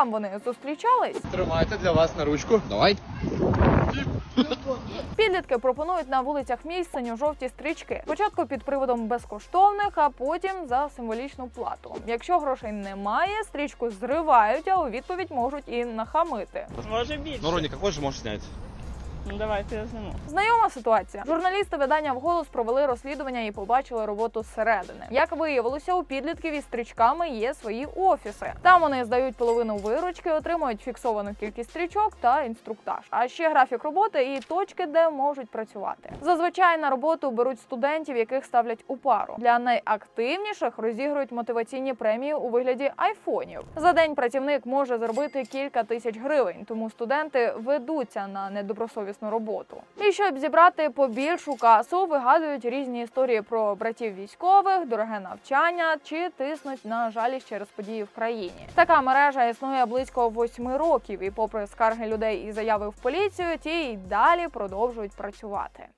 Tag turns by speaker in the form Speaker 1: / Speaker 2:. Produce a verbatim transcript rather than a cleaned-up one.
Speaker 1: там вони зустрічались?
Speaker 2: Тримайте для вас на ручку. Давай.
Speaker 1: Підлітки пропонують на вулицях міст синьо-жовті стрічки. Спочатку під приводом безкоштовних, а потім за символічну плату. Якщо грошей немає, стрічку зривають, а у відповідь можуть і нахамити.
Speaker 3: Може більше.
Speaker 2: Ну, Роні, какой же можешь снять?
Speaker 3: Ну давайте я зніму.
Speaker 1: Знайома ситуація. Журналісти видання «Вголос» провели розслідування і побачили роботу зсередини. Як виявилося, у підлітків із стрічками є свої офіси. Там вони здають половину виручки, отримують фіксовану кількість стрічок та інструктаж. А ще графік роботи і точки, де можуть працювати. Зазвичай на роботу беруть студентів, яких ставлять у пару. Для найактивніших розігрують мотиваційні премії у вигляді айфонів. За день працівник може заробити кілька тисяч гривень, тому студенти ведуться на недобросовісну роботу. І щоб зібрати побільшу касу, вигадують різні історії про братів військових, дороге навчання чи тиснуть на жалість через події в країні. Така мережа існує близько восьми років, і попри скарги людей і заяви в поліцію, ті й далі продовжують працювати.